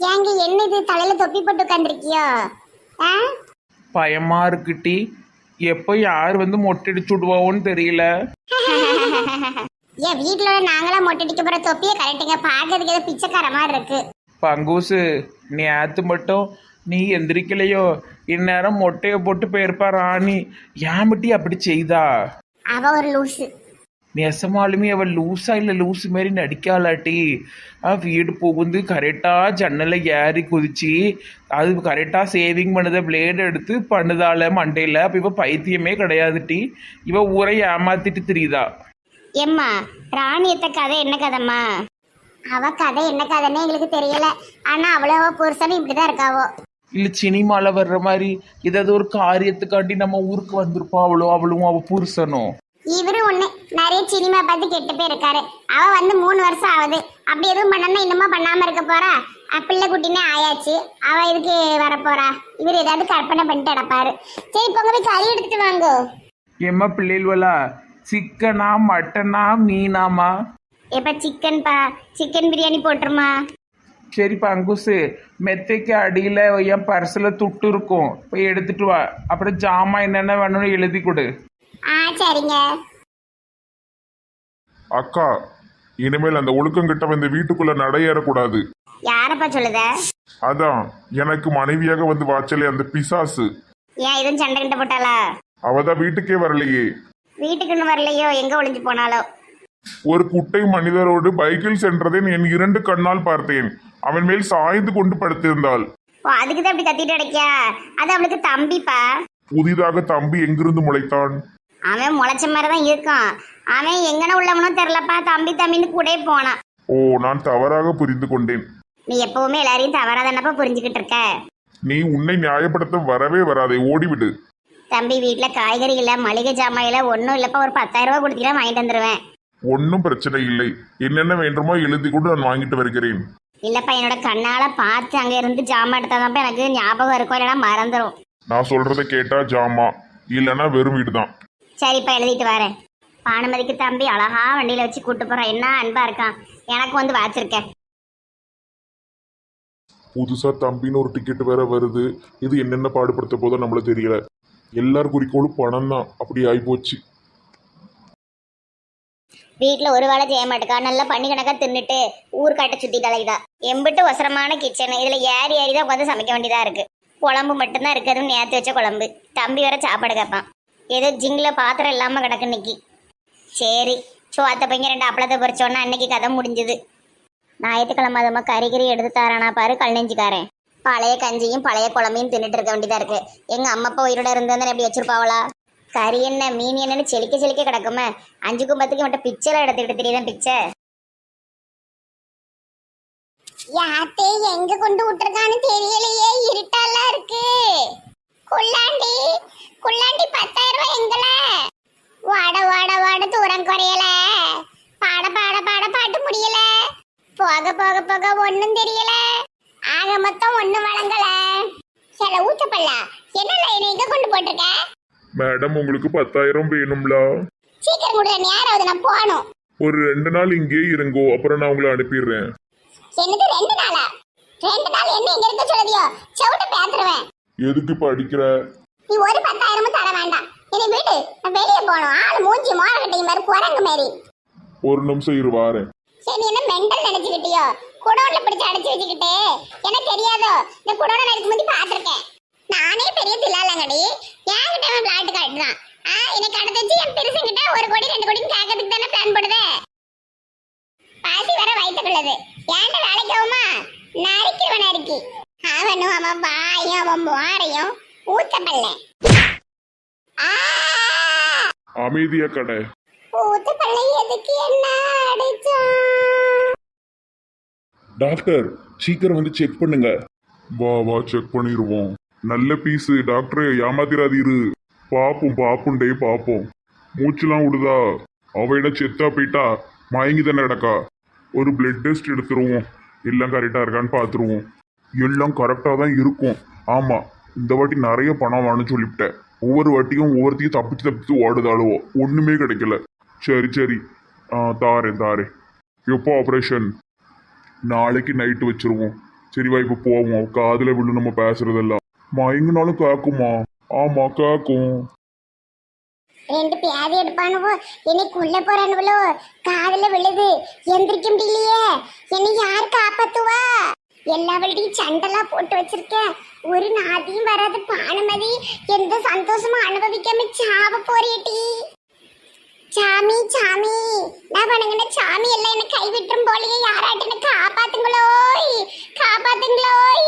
ஏங்க என்ன இது தலையில தொப்பி போட்டு உட்காந்துருக்கியோ? ஆ பயமா இருக்குட்டி. எப்போ யார் வந்து மொட்டை அடிச்சு விடுவோன்னு தெரியல. ஏன் வீட்டுல நாங்களாம் மொட்டை அடிக்க போற தொப்பியை கரெக்டுங்க, பாக்கிறதுக்கு ஏதோ பிச்சைக்கார மாதிரி இருக்கு. பங்கூசு நேத்து மட்டும் நீ எந்திரிக்கலையோ, இந்நேரம் மொட்டையை போட்டு போயிருப்பா ராணி. ஏன் பட்டி அப்படி செய்தா? அவ ஒரு லூசு. நெசமாலுமே அவள் லூஸா இல்லை லூஸு மாரி நடிக்காளாட்டி. வீடு புகுந்து கரெக்டாக ஜன்னலை ஏறி குதிச்சு அது கரெக்டாக சேவிங் பண்ணுத பிளேடு எடுத்து பண்ணுதால மண்டையில். அப்போ இவ பைத்தியமே கிடையாதுட்டி. இவ ஊரை ஏமாத்திட்டு தெரியுதா? எம்மா ராணியத்த கதை என்ன கதைம்மா? அவ கதை என்ன கதைன்னு எங்களுக்கு தெரியல. ஆனா அவ்வளவோ புருஷனும் இப்படிதான் இருக்காவோ. இல்லை சினிமாவில் வர்ற மாதிரி ஏதாவது ஒரு காரியத்துக்காண்டி நம்ம ஊருக்கு வந்திருப்போம். அவளும் அவள் புருஷனும். இவரு ஒண்ணு நிறைய சினிமா பார்த்து கெட்டு போய் இருக்காரு. அவ வந்து 3 வருஷம் ஆகுது. அப்படி எதுவும் பண்ணனா இன்னுமா பண்ணாம இருக்க போறா? பிள்ளை குட்டினே ஆயாச்சு, அவ இதுக்கு வரப்போறா? இவர் ஏதாவது கற்பனை பண்ணிட்டு அடப்பாரு. சரி பொங்க போய் கறி எடுத்துட்டு வாங்கோ. எம்மா பிள்ளைகளா, சிக்கனா மட்டனா மீனாமா? எப்ப சிக்கன்பா, சிக்கன் பிரியாணி போட்டுருமா? சரிப்பா அங்குசு, மெத்தைக்கு அடியில் என் பர்ஸில் துட்டு இருக்கும், போய் எடுத்துட்டு வா. அப்புறம் ஜாமான் என்னென்ன வேணும்னு எழுதி கொடு. சரிங்க. அக்கா, இனிமேல் அந்த ஒழுக்கங்கிட்ட வந்து வீட்டுக்குள்ள நடையேறக்கூடாது. யாரப்பா சொல்லுத? அதான் எனக்கு மனைவியாக வந்து வாச்சலே அந்த பிசாசு. ஏன் இதுவும் சண்டை கிட்ட போட்டாளா? அவதான் வீட்டுக்கே வரலையே. வீட்டுக்குன்னு வரலையோ, எங்க ஒளிஞ்சு போனாலோ? ஒரு குட்டை மனிதரோடு பைக்கில் சென்றதை என் 2 கண்ணால் பார்த்தேன். அவன் மேல் சாய்ந்து கொண்டு படுத்திருந்தாள். ஓ, அதுக்குதான் அப்படி கத்திட்டு அடைக்கியா? அது அவளுக்கு தம்பிப்பா. புதிதாக தம்பி எங்கிருந்து முளைத்தான்? அவன் முளைச்ச மாதிரிதான் இருக்கான். அவன் எங்கன உள்ளவனும் தெரியலப்பா. தம்பி தம்பின்னு கூட போனான். ஓ, நான் தவறாக புரிந்து கொண்டேன். நீ எப்பவுமே எல்லாரையும் தவறாதானப்பா புரிஞ்சுக்கிட்டு இருக்க. நீ உன்னை நியாயப்படுத்த வரவே வராதே, ஓடிவிடு. தம்பி வீட்டுல காய்கறி இல்ல, மளிகை ஜாமாயில ஒன்னும் இல்லப்பா. ஒரு 10,000 ரூபாய் கொடுத்தீங்கன்னா வாங்கிட்டு வந்துருவேன். ஒன்னும் பிரச்சனை இல்லை. என்னென்ன வேண்டுமோ எழுதி கொண்டு நான் வாங்கிட்டு வருகிறேன். இல்லப்பா, என்னோட கண்ணால பார்த்து அங்க இருந்து ஜாமான் எடுத்தாதான் எனக்கு ஞாபகம் இருக்கும், இல்லைன்னா மறந்துடும். நான் சொல்றதை கேட்டா ஜாமா, இல்லைன்னா வெறும் வீடுதான். சரிப்பா, எழுதிட்டு வரேன். பானுமதிக்கு தம்பி அழகா வண்டியில வச்சு கூட்டு போறான். என்ன அன்பா இருக்கான். எனக்கு வந்து வாச்சிருக்கேன். புதுசா தம்பின்னு ஒரு டிக்கெட் வேற வருது. இது என்னென்ன பாடுபடுத்த போதோ நம்மள தெரியல. எல்லார் குறிக்கோளும் பணம் தான். அப்படி ஆயிப்போச்சு. வீட்டுல ஒரு வேளை செய்ய மாட்டேக்கா. நல்லா பண்ணி கணக்கா தின்னுட்டு ஊர்காட்ட சுத்தி தலைதா. எம்பிட்டு ஒசரமான கிச்சன். இதுல ஏறி ஏறிதான் உட்காந்து சமைக்க வேண்டியதா இருக்கு. குழம்பு மட்டும்தான் இருக்குதுன்னு நேற்று வச்ச குழம்பு. தம்பி வேற சாப்பாடு கேட்பான். ஏதோ ஜிங்கில பாத்திரம் இல்லாம கிடக்கு இன்னைக்கு. சரி, சோத்த பையன் 2 அப்பளத்தை பொறிச்சோன்னா அன்னைக்கு கதை முடிஞ்சுது. ஞாயிற்றுக்கிழமை அதுமா கறிகறி எடுத்து தரானா பாரு கல் நெஞ்சுக்காரன். பழைய கஞ்சியும் பழைய குழம்பையும் தின்னுட்டு இருக்க வேண்டியதா இருக்கு. எங்க அம்மா அப்பா உயிரோட இருந்ததுன்னு எப்படி வச்சிருப்பாவளா? கறி என்ன மீன் என்னன்னு செலிக்க செலிக்க கிடக்குமே. 5க்கும் 10க்கும் மட்டும் பிச்சை எடுத்துக்கிட்டு தெரியுதான் பிச்சை. யாத்தே எங்க கொண்டு விட்டுருக்கான்னு தெரியலையே. இருட்டாலாம் இருக்கு. குள்ளாண்டி குள்ளாண்டி 10,000 ரூபாய் எங்கள? வாட வாட வாட தூரம் குறையல. பாட பாட பாட பாட்டு முடியல. போக போக போக ஒன்னும் தெரியல. ஆக மொத்தம் ஒன்னும் வழங்கல. சில ஊச்சப்பல்ல என்ன எங்க கொண்டு போட்டிருக்க? மேடம், உங்களுக்கு 10,000 வேணும்ல? சீக்கிரம் கொடுங்க, நேரம் நான் போகணும். ஒரு 2 நாள் இங்கே இருங்கோ, அப்புறம் நான் உங்களை அனுப்பிடுறேன். என்னது 2 நாளா? 2 நாள் என்ன இங்க இருக்க சொல்லுதியோ? செவுட்ட பேத்துருவேன். எதுக்கு படிக்கிற? நீ ஒரு 10,000 தர வேண்டாம். என்னை வீடு, நான் வெளியே போகணும். ஆள் மூஞ்சி மோரக்கட்டையும் மாதிரி குரங்கு மாதிரி. ஒரு நிமிஷம் இரு வாரேன். சரி, நீ என்ன மெண்டல் நினைச்சுக்கிட்டியோ? குடோன்ல பிடிச்சு அடைச்சு வச்சுக்கிட்டு எனக்கு தெரியாதோ? இந்த குடோனை எடுத்து முந்தி பார்த்துருக்கேன். நானே பெரிய தில்லாலங்கடி. என்கிட்ட அவன் பிளாட் காட்டுதான். எனக்கு அடுத்து வச்சு என் பெருசுங்கிட்ட 1 கோடி 2 கோடின்னு கேட்கறதுக்கு தானே பிளான் போடுதே. பாசி வர வயிற்றுக்குள்ளது. ஏன்ட்ட வேலைக்கு ஆகுமா? நறுக்கிடுவன் நறுக்கி. அவனும் அவன் வாயும் அவன் மோரையும் ஊத்தப்பல்ல. அமைதியா கடை. ஊத்தப்பல்ல எதுக்கு என்ன அடிச்சான்? டாக்டர், சீக்கிரம் வந்து செக் பண்ணுங்க. வா வா, செக் பண்ணிடுவோம். நல்ல பீஸு டாக்டர், ஏமாத்திராதீரு. பாப்போம் டே பாப்போம். மூச்சுலாம் விடுதா? அவையிட செத்தா போயிட்டா மயங்கி தானே கிடக்கா. ஒரு பிளட் டெஸ்ட் எடுத்துருவோம். எல்லாம் கரெக்டாக இருக்கான்னு பார்த்துருவோம். எல்லாம் கரெக்டாக தான் இருக்கும். ஆமாம், இந்த வாட்டி நிறைய பணம் வேணும்னு சொல்லிவிட்டேன். ஒவ்வொரு வாட்டியும் ஒவ்வொருத்தையும் தப்பிச்சு ஓடுதாளுவோ. ஒன்றுமே கிடைக்கல. சரி தாரேன். எப்போ ஆப்ரேஷன்? நாளைக்கு நைட்டு வச்சிருவோம். சரி வா இப்ப போவோம், காதுல விழு நம்ம பேசுறதெல்லாம். மயங்கினாலும் கேக்குமா? ஆமா கேக்கும். ரெண்டு பேதி எடுப்பானுவோ, என்னைக்கு உள்ள போறானுவளோ, காதுல விழுது, எந்திரிக்க முடியலையே, என்னை யார் காப்பாத்துவா? எல்லாவள்டையும் சண்டெல்லாம் போட்டு வச்சிருக்கேன், ஒரு நாதியும் வராது. பானுமதி எந்த சந்தோஷமும் அனுபவிக்காம சாவ போறியட்டி. சாமி சாமி, நான் வணங்கின சாமி எல்லாம் என்ன கைவிட்டுரும் போலயே, யாராட்டு என்ன காப்பாத்துங்களோய், காப்பாத்துங்களோய்.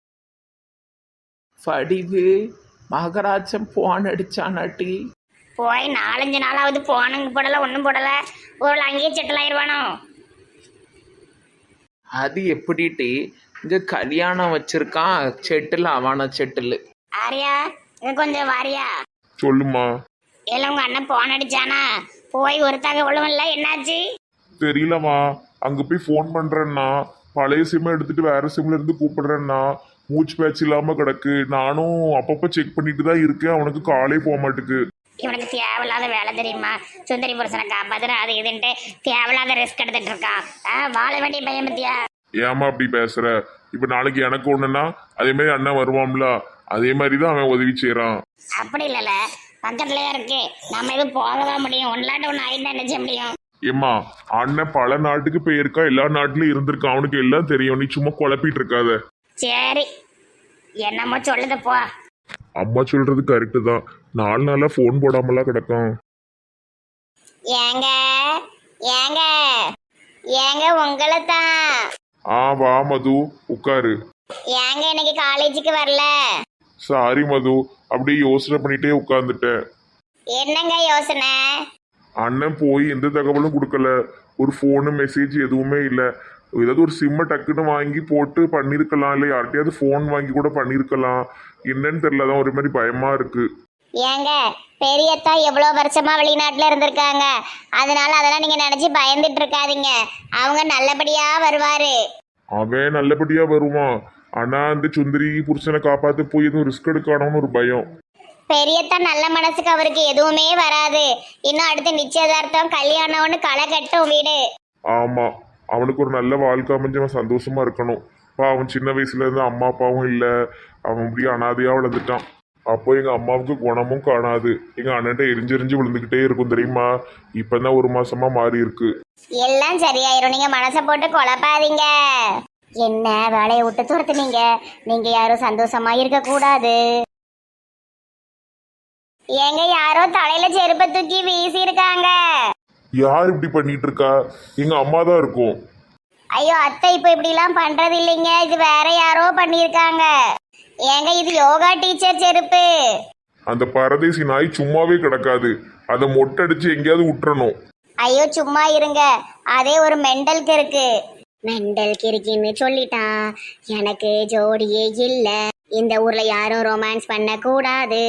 வடிவு மகராஜன் போன் அடிச்சானாட்டி. போய் 4-5 நாளாவது போனுங்க போடல, ஒன்றும் போடல. ஒரு அங்கேயே செட்டில் ஆயிடுவானோ? அது எப்படிட்டு இங்க கல்யாணம் வச்சிருக்கான், செட்டில் அவன செட்டில். ஆரியா, இங்க கொஞ்சம் வாரியா. சொல்லுமா. எல்லாம் உங்க அண்ணன் போன் அடிச்சானா? போய் ஒரு தகவலும் இல்லை, என்னாச்சு? தெரியலம்மா, அங்க போய் ஃபோன் பண்றேன்னா பழைய சிம்மை எடுத்துட்டு வேற சிம்ல இருந்து கூப்பிடுறேன்னா மூச்சு பேச்சு இல்லாம கிடக்கு. நானும் அப்பப்ப செக் பண்ணிட்டு தான் இருக்கேன், அவனுக்கு காலே போக மாட்டுக்கு. இவனுக்கு தேவையில்லாத வேலை தெரியுமா? சுந்தரி புருஷனை காப்பாத்துற அது இதுன்ட்டு தேவையில்லாத ரிஸ்க் எடுத்துட்டு இருக்கான். வாழ வேண்டிய பையன் பத்தியா? ஏமா அப்படி பேசுற? இப்ப நாளைக்கு எனக்கு ஒண்ணுன்னா அதே மாதிரி அண்ணன் வருவான்ல, அதே மாதிரி தான் அவன் உதவி செய்யறான். அப்படி இல்லைல்ல, பக்கத்துலயே இருக்கு, நம்ம எதுவும் போகதான் முடியும். ஒன்றாட்ட ஒன்று ஆயிட்டு என்ன செய்ய முடியும்? ஏம்மா, அண்ணன் பல நாட்டுக்கு போயிருக்கா, எல்லா நாட்டிலயும் இருந்திருக்கான், அவனுக்கு எல்லாம் தெரியும். நீ சும்மா குழப்பிட்டு இருக்காத. சரி, என்னமோ சொல்லுது போ. அம்மா சொல்றது கரெக்டு தான். 4 நாளா ஃபோன் போடாமலாம் கிடக்கும். ஏங்க ஏங்க ஏங்க, உங்களை தான். வா மது, உட்காரு. ஏங்க இன்னைக்கு காலேஜுக்கு வரல? சாரி மது, அப்படியே யோசனை பண்ணிட்டே உட்கார்ந்துட்டேன். என்னங்க யோசனை? அண்ணன் போய் எந்த தகவலும் கொடுக்கல, ஒரு ஃபோனு மெசேஜ் எதுவுமே இல்லை. ஏதாவது ஒரு சிம்மை டக்குன்னு வாங்கி போட்டு பண்ணியிருக்கலாம், இல்லை யார்கிட்டயாவது ஃபோன் வாங்கி கூட பண்ணியிருக்கலாம். என்னன்னு தெரியல, தான் ஒரு மாதிரி பயமா இருக்கு. ஏங்க, பெரியத்தா எவ்வளோ வருஷமா வெளிநாட்டில் இருந்திருக்காங்க, அதனால அதெல்லாம் நீங்க நினைச்சு பயந்துட்டு இருக்காதீங்க. அவங்க நல்லபடியா வருவாரு. அவன் நல்லபடியா வருவான், ஆனா அந்த சுந்தரி புருஷனை காப்பாற்ற போய் எதுவும் ரிஸ்க் எடுக்கணும்னு ஒரு பயம். பெரியத்தா நல்ல மனசுக்கு அவருக்கு எதுவுமே வராது. இன்னும் அடுத்து நிச்சயதார்த்தம் கல்யாணம்னு களை கட்டும் வீடு. ஆமா, அவனுக்கு ஒரு நல்ல வாழ்க்கை அமைஞ்சு அவன் சந்தோஷமா இருக்கணும். அவன் சின்ன வயசுல இருந்து அம்மா அப்பாவும் இல்லை, அவன் அப்படியே அனாதையா வளர்ந்துட்டான். அப்போ எங்க அம்மாவுக்கு குணமும் காணாது, எங்க அண்ணன்ட்ட எரிஞ்செரிஞ்சு விழுந்துகிட்டே இருக்கும் தெரியுமா. இப்பதான் 1 மாசமா மாறி இருக்கு. எல்லாம் சரியாயிரும், நீங்க மனசை போட்டு குழப்பாதீங்க. என்ன வேலையை விட்டு துரத்துனீங்க? நீங்க யாரும் சந்தோஷமா இருக்க கூடாது. ஏங்க, யாரோ தலையில செருப்பை தூக்கி வீசி இருக்காங்க. யார் இப்படி பண்ணிட்டு இருக்கா? எங்க அம்மா தான் இருக்கும். ஐயோ அத்தை, இப்ப இப்படி எல்லாம் பண்றது இல்லைங்க, இது வேற யாரோ பண்ணிருக்காங்க. ஏங்க, இது யோகா டீச்சர் செருப்பு. அந்த பரதேசி நாய் சும்மாவே கிடக்காது, அதை மொட்டடிச்சு எங்கேயாவது விட்டுறணும். ஐயோ சும்மா இருங்க, அதே ஒரு மெண்டல் கிறுக்கு. மெண்டல் கிறுக்கின்னு சொல்லிட்டான். எனக்கு ஜோடியே இல்ல, இந்த ஊர்ல யாரும் ரொமான்ஸ் பண்ண கூடாது.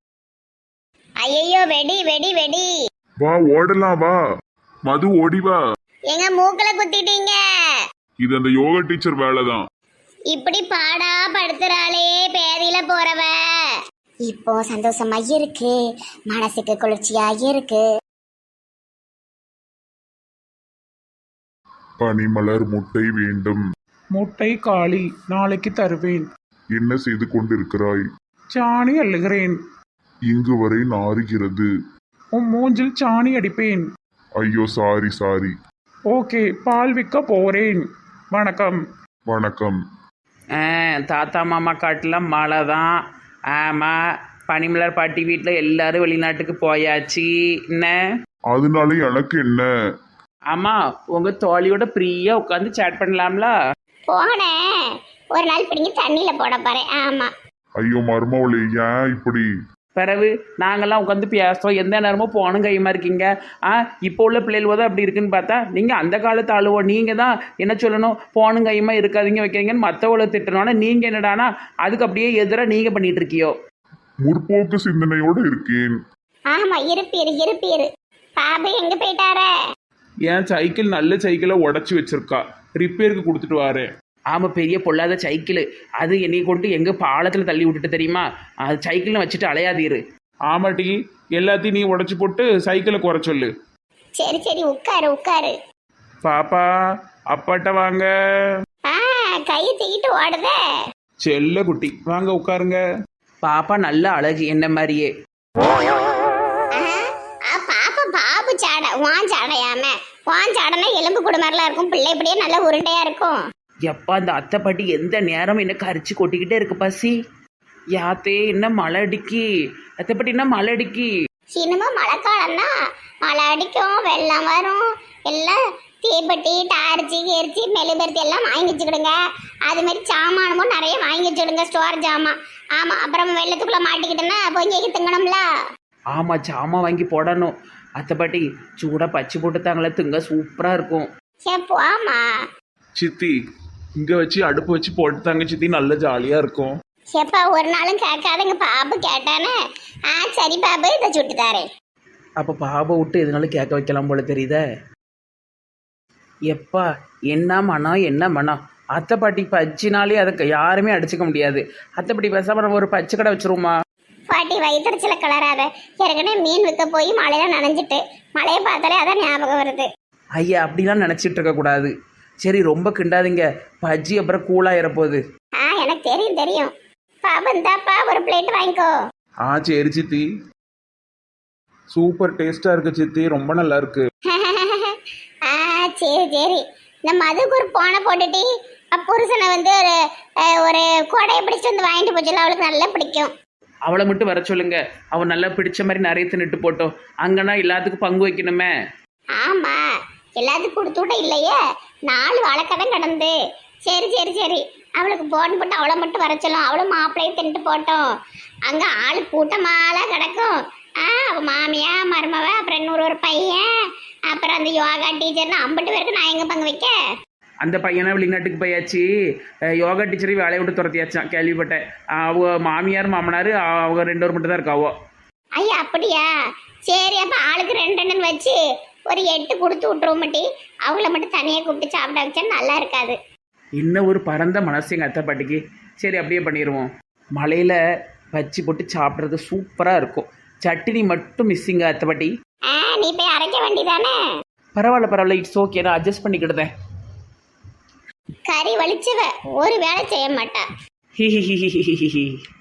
ஐயோ, வெடி வெடி வெடி. வா ஓடலாம், வா மது, ஓடி வா. எங்க மூக்குல குத்திட்டீங்க. இது அந்த யோகா டீச்சர் வேலை தான். இப்படி பாடா படுத்துறாளே பேதியில போறவ. இப்போ சந்தோஷமா இருக்கு, மனசுக்கு குளிர்ச்சியா இருக்கு. பனிமலர் முட்டை வேண்டும். முட்டை காளி, நாளைக்கு தருவேன். என்ன செய்து கொண்டிருக்கிறாய்? சாணி அள்ளுகிறேன். இங்கு வரை நாறுகிறது. உன் மூஞ்சில் சாணி அடிப்பேன். ஐயோ சாரி சாரி. ஓகே, பால் விற்க போறேன். வணக்கம். வணக்கம். தாத்தா மாமா காட்டில் மழை தான். ஆமாம், பனிமலர் பாட்டி வீட்டில் எல்லாரும் வெளிநாட்டுக்கு போயாச்சு. என்ன அதனால எனக்கு என்ன? ஆமாம், உங்கள் தோழியோட ஃப்ரீயாக உட்காந்து சேட் பண்ணலாம்ல? போனேன், ஒரு நாள் பிடிங்கி தண்ணியில போட போறேன். ஆமா. ஐயோ மருமவளே, ஏன் இப்படி? பிறகு நாங்கள்லாம் உட்காந்து பேசுகிறோம், எந்த நேரமும் போனும் கையுமா இருக்கீங்க. இப்போ உள்ள பிள்ளைகள் தான் அப்படி இருக்குன்னு பார்த்தா நீங்கள் அந்த காலத்து ஆளுவோ. நீங்கள் தான் என்ன சொல்லணும், போனும் கையுமா இருக்காதீங்க வைக்கிறீங்கன்னு மற்றவளை திட்டணும்னா நீங்கள் என்னடானா அதுக்கு அப்படியே எதிராக நீங்கள் பண்ணிட்டு இருக்கியோ. முற்போக்கு சிந்தனையோடு இருக்கேன். ஆமா, இருப்பீரு இருப்பீரு. பாபு எங்க போயிட்டாரே? என் சைக்கிள் நல்ல சைக்கிளை உடச்சி வச்சிருக்கா, ரிப்பேருக்கு கொடுத்துட்டு வாரேன். ஆமாம், பெரிய பொல்லாத சைக்கிள் அது. என்னை கொண்டு எங்கே பாலத்தில் தள்ளி விட்டுட்டு தெரியுமா? அது சைக்கிள்னு வச்சுட்டு அலையாதீரு. ஆமாட்டி, எல்லாத்தையும் நீ உடச்சி போட்டு சைக்கிளை குறை சொல்லு. சரி சரி, உட்காரு உட்காரு. பாப்பா, அப்பாட்ட வாங்க. கையை தூக்கிட்டு ஓடுதே. செல்ல குட்டி வாங்க உட்காருங்க. பாப்பா நல்ல அழகு என்ன மாதிரியே. பாப்பா பாபு சாடை வான் சாடையாம வான் சாடைனா எலும்பு குடும்பரெல்லாம் இருக்கும், பிள்ளை இப்படியே நல்ல உருண்டையா இருக்கும். எப்பா அந்த அத்தை பாட்டி எந்த நேரம் என்ன கரிச்சு கொட்டிக்கிட்டே இருக்கு பசி. யாத்தே என்ன மழை அடிக்கி, அத்தை பாட்டி என்ன மழை அடிக்கி. சினிமா மழைக்காலம் தான், மழை அடிக்கும், வெள்ளம் வரும், எல்லாம் தீப்பெட்டி டார்ச்சி எரிச்சி மெழுகுபருத்தி எல்லாம் வாங்கி வச்சுக்கிடுங்க. அது மாதிரி சாமானமும் நிறைய வாங்கி வச்சுக்கிடுங்க, ஸ்டோர் ஜாமான். ஆமா, அப்புறம் வெள்ளத்துக்குள்ள மாட்டிக்கிட்டேன்னா பொங்கிக்கு திங்கணும்ல. ஆமா ஜாமான் வாங்கி போடணும். அத்தை பாட்டி சூடா பச்சை போட்டு தாங்களே திங்க சூப்பரா இருக்கும். சே போமா. சித்தி இங்க வச்சு அடுப்பு வச்சு போட்டுத்தாங்க சித்தி, நல்ல ஜாலியா இருக்கும். எப்பா ஒரு நாளும் கேட்காதங்க, பாபு கேட்டானே. சரி பாபு இதை சுட்டு தாரேன். அப்ப பாபை விட்டு எதுனாலும் கேட்க வைக்கலாம் போல தெரியுதே. எப்பா என்ன மனம் என்ன மனம். அத்தை பாட்டி பச்சினாலே அதுக்கு யாருமே அடிச்சுக்க முடியாது. அத்தை பாட்டி பேசாம நம்ம ஒரு பச்சை கடை வச்சிருவோமா? பாட்டி வயிற்றுச்சில கலராத. ஏற்கனவே மீன் விற்க போய் மழையில நனைஞ்சிட்டு, மழையை பார்த்தாலே அதான் ஞாபகம் வருது. ஐயா அப்படிலாம் நினச்சிட்டு இருக்க கூடாது. சரி ரொம்ப கிண்டாதீங்க, பஜ்ஜி அப்புறம் கூலாயிர போகுது. எனக்கு தெரியும் தெரியும். பாபு இந்தாப்பா ஒரு பிளேட் வாங்கிக்கோ. சரி சித்தி, சூப்பர் டேஸ்டா இருக்கு சித்தி, ரொம்ப நல்லா இருக்கு. சரி சரி. இந்த மதுக்கு ஒரு போனை போட்டுட்டு புருஷனை வந்து ஒரு கொடையை பிடிச்சிட்டு வந்து வாங்கிட்டு போச்சுல, அவளுக்கு நல்லா பிடிக்கும். அவளை மட்டும் வர சொல்லுங்க, அவன் நல்லா பிடிச்ச மாதிரி நிறைய தின்னுட்டு போட்டோம். அங்கன்னா எல்லாத்துக்கும் பங்கு வைக்கணுமே. ஆமா, எல்லாத்துக்கும் கொடுத்து விட இல்லையே, 4 வாழைக்கடன் கடந்து. சரி சரி சரி, அவளுக்கு போன் போட்டு அவளை மட்டும் வர சொல்லும், அவளும் மாப்பிள்ளையும் தின்ட்டு போட்டோம். அங்க ஆளு கூட்டமாலாம் கிடக்கும். அவ மாமியா மருமவ அப்புறம் இன்னொரு ஒரு பையன் அப்புறம் அந்த யோகா டீச்சர்னு 50 பேருக்கு நான் எங்க பங்கு வைக்க. அந்த பையனை வெளிநாட்டுக்கு போயாச்சு, யோகா டீச்சரையும் வேலையை விட்டு துரத்தியாச்சான் கேள்விப்பட்டேன். அவங்க மாமியார் மாமனார் அவங்க 2 பேர் மட்டும் தான் இருக்காவோ. ஐயா அப்படியா? சரி, அப்ப ஆளுக்கு 2 வச்சு ஒரு 8 கொடுத்து விட்டுருவோம் மட்டி. அவங்கள மட்டும் தனியாக கூப்பிட்டு சாப்பிட வச்சா நல்லா இருக்காது. இன்னும் ஒரு பரந்த மனசு எங்கள் அத்தை பாட்டிக்கு. சரி அப்படியே பண்ணிடுவோம். மலையில் பச்சி போட்டு சாப்பிட்றது சூப்பராக இருக்கும். சட்னி மட்டும் மிஸ்ஸிங்க அத்தை பாட்டி. நீ போய் அரைக்க வேண்டியதானே? பரவாயில்ல இட்ஸ் ஓகே, நான் அட்ஜஸ்ட் பண்ணிக்கிடுதேன். கறி வலிச்சவ ஒரு வேலை செய்ய மாட்டா. ஹி ஹி ஹி ஹி ஹி ஹி.